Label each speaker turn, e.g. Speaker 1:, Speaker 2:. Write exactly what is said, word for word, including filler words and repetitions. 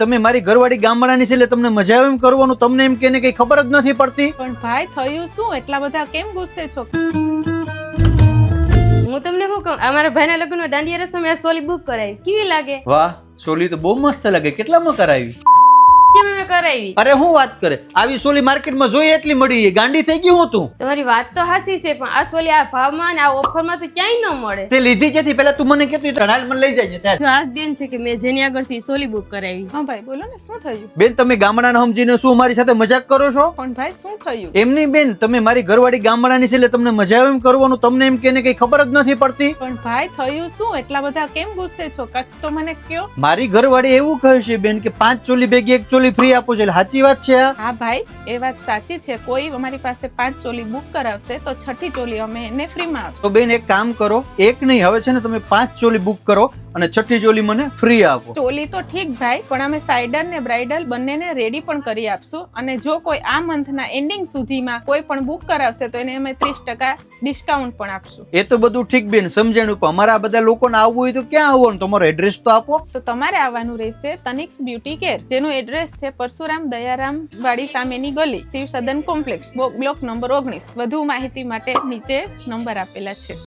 Speaker 1: તમે મારી ઘરવાળી ગામડાની છે એટલે તમને મજા આવે એમ કરવાનું, તમને એમ કે કઈ ખબર જ નથી પડતી.
Speaker 2: પણ ભાઈ થયું શું? એટલા બધા કેમ ગુસ્સે છો?
Speaker 3: હું તમને શું કહું, અમારા ભાઈના લગ્નમાં દાંડિયા રસમ મેં સોલી બુક કરાવી, કેવી લાગે?
Speaker 1: વાહ, સોલી તો બહુ મસ્ત લાગે. કેટલામાં કરાવી?
Speaker 3: કેમ મેં કરાવી?
Speaker 1: અરે હું વાત કરે, આવી સોલી માર્કેટમાં જોઈએ એટલી મળી, ગાંડી થઈ ગઈ હું તું.
Speaker 3: તમારી વાત તો હાસી છે, પણ આ સોલી આ ભાવમાં ને આ ઓફરમાં તો ક્યાંય ન મળે.
Speaker 1: તે લીધી ક્યાંથી? પેલા તું મને કહેતી હાલ મને લઈ જાય ત્યારે.
Speaker 3: જો આજ દિન છે કે મેં જેની આગળથી સોલી બુક કરાવી.
Speaker 2: હા ભાઈ બોલો ને, શું થયું?
Speaker 1: બેન તમે ગામડાના સમજીને શું મારી સાથે મજાક કરો છો?
Speaker 2: પણ ભાઈ શું થયું?
Speaker 1: એમ નહીં બેન, તમે મારી ઘરવાળી ગામડાની છે એટલે તમને મજા આવે એમ કરવાનું, તમને એમ કે કઈ ખબર જ નથી પડતી.
Speaker 2: પણ ભાઈ થયું શું? એટલા બધા કેમ ગુસ્સે છો? કાક તો મને કયો.
Speaker 1: મારી ઘરવાળી એવું કહે છે બેન કે પાંચ ચોલી ભેગી એક ચોલી ફ્રી આપો છો, એટલે સાચી વાત છે આ?
Speaker 2: હા ભાઈ, એ વાત સાચી છે. કોઈ અમારી પાસે પાંચ ચોલી બુક કરાવશે તો છઠ્ઠી ચોલી અમે એને ફ્રીમાં આપશું.
Speaker 1: તો બેન એક કામ કરો, એક નહીં હવે છે ને તમે પાંચ ચોલી બુક કરો અને છઠ્ઠી ચોલી મને ફ્રી આપો.
Speaker 2: ચોલી તો ઠીક ભાઈ, પણ અમે સાઇડર ને બ્રાઇડલ બંનેને રેડી પણ કરી આપશું. અને જો કોઈ આ મંથના એન્ડિંગ સુધીમાં કોઈ પણ બુક કરાવશે તો એને અમે ત્રીસ ટકા ડિસ્કાઉન્ટ પણ આપશું.
Speaker 1: એ તો બધું ઠીક બેન, સમજાણું, પણ અમારા આ બધા લોકોને આવવું હોય તો ક્યાં આવવાનું? તમારો એડ્રેસ તો આપો.
Speaker 2: તો તમારે આવવાનું રહેશે તનિક્સ બ્યુટી કેર, જેનું એડ્રેસ છે પરશુરામ દયારામ વાડી સામેની ગલી, શિવ સદન કોમ્પ્લેક્સ, બ્લોક નંબર ઓગણીસ. વધુ માહિતી માટે નીચે નંબર આપેલા છે.